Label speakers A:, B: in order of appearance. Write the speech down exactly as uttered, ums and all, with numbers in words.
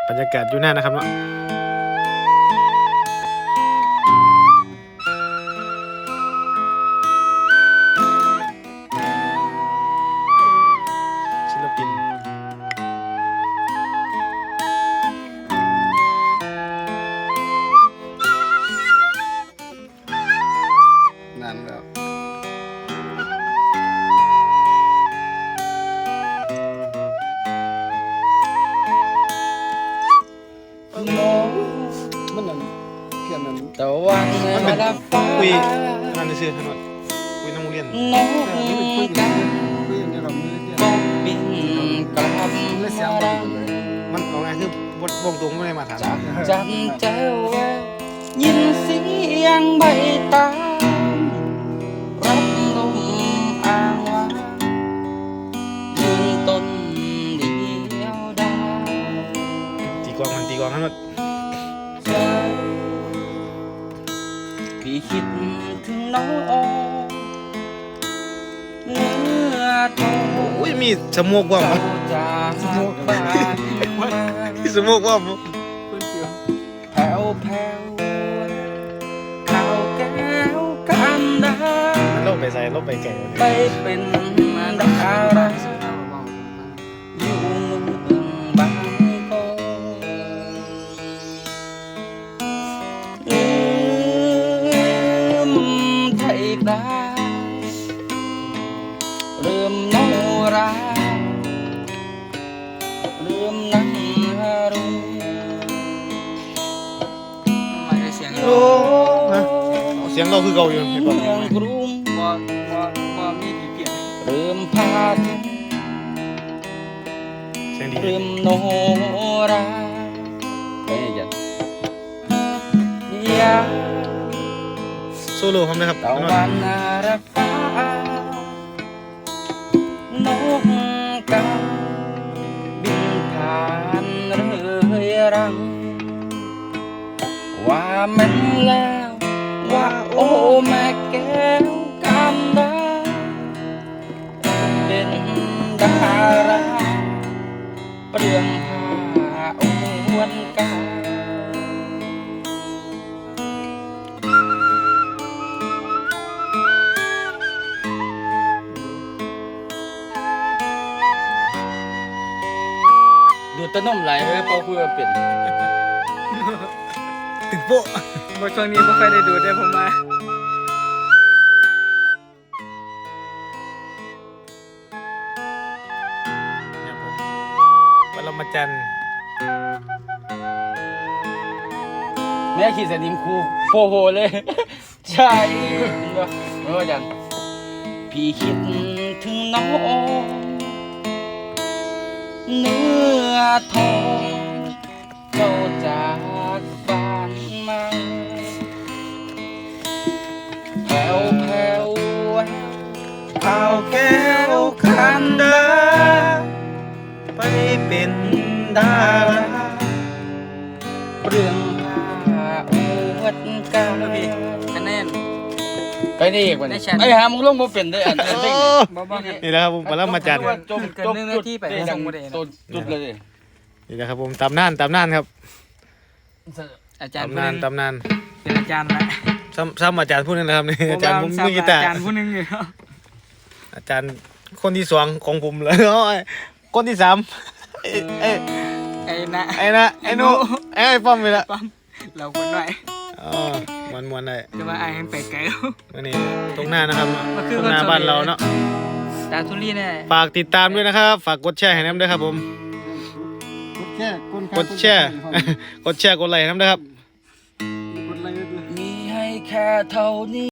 A: บรรยากาศอยู่หน้านะครับเนาะศิลปินนั่นแล้วมันนั่นเพี้ยนนั่นแต่วันมันเป็นคุยนั่นซื่อถนนคุยน้ำมูเรียนน้องกันคุยเนี่ยเรามีก็บินกลับมามันเอาไงคือบทวงตรงไม่ได้มาถาม
B: จำเจ้ายินเสียงใบตารับลมอ่างวางยืนต้นเดียวดาย
A: ตีกวางมันตีกวางทั้งหมด
B: พี่คิดถึงน้องเนื้อทอง
A: อุ้ยมีสมวกกว่ามั้ย
B: สมวกบ้าน
A: มีสมวกกว่ามั้ย
B: แผ่วแผ่วข้าวแก้วกันดา
A: ลบไปใส่ลบไปไก่
B: ไปเป็นดาราอยู่เมืองบางกอกลืมไทยปลาเริ่มโนราเริ่มนั่งฮารุไม่ได้เสียงโล
A: เสียงเราคือเก่าอยู่
B: เมืองกรุงบ่บ่บ่มีกี่เปลี่ยนเริ่มพาด
A: เสียงดี
B: เริ่มโนราเฮ้ยจัดยา
A: โซโล่พร้อมนะครับ
B: ตะวันรับฟ้านกกาบินผ่านเรื่อยรังว่ามันแล้วว่าโอ้แม่แก้วกันดาเป็นดาราเปลืองผ้าอวนกาดูตะนุ่มไหลเลยพอคุยกับเป็ด
A: ตึกโป๊ะ
B: บทช่วงนี้ไม่ค่อยได้ดูได้ผมมา
A: ปรมาจันทร์
B: แม่ขี่สนิมคูโฟโหเลยใช่เมื่อจันพี่คิดถึงน้องเนื้อทองเจ้าจากบ้านมาแผ่วแผ่วข้าวแก้วคันดา
A: ไปเป็นดารา
B: เปลืองผ้าอวดกาคะแนนไปนี่อีกวันไอ้หามึงลงมาเป็นได้อันนี้
A: นี่แหละครับผมปรมาจันทร์
B: จมจมที่ไปส่งจุดเลย
A: นี่แหละครับผมตำนานตำนานครับ
B: อาจารย์
A: ตำนานตำนาน
B: เป็นอาจารย์นะ
A: ซ้ำซ้ำอาจารย์ผู้นึงนะครับนี่อาจารย์ผมมือกีตาร์
B: อาจารย์ผู้นึงอยู่
A: อาจารย์คนที่สองของผมเลยคนที่สามไอ้
B: ไอ้นะ
A: ไอ้นะไอ้นูไอ้ป้อมไปละ
B: เราคนหน่อย
A: อ๋อมวนมวนเลย
B: จะมาไอ้ไปไกลแล้ว
A: วันนี้ตรงหน้านะครับตรงหน้าบ้านเราเนาะ
B: ตาทุลีแน่
A: ฝากติดตามด้วยนะครับฝากกดแชร์ให้น้ำด้วยครับผมกดแชร์กดแชร์กดแชร์กดไลค์น้ำด้วยครับ
B: มีให้แค่เท่านี้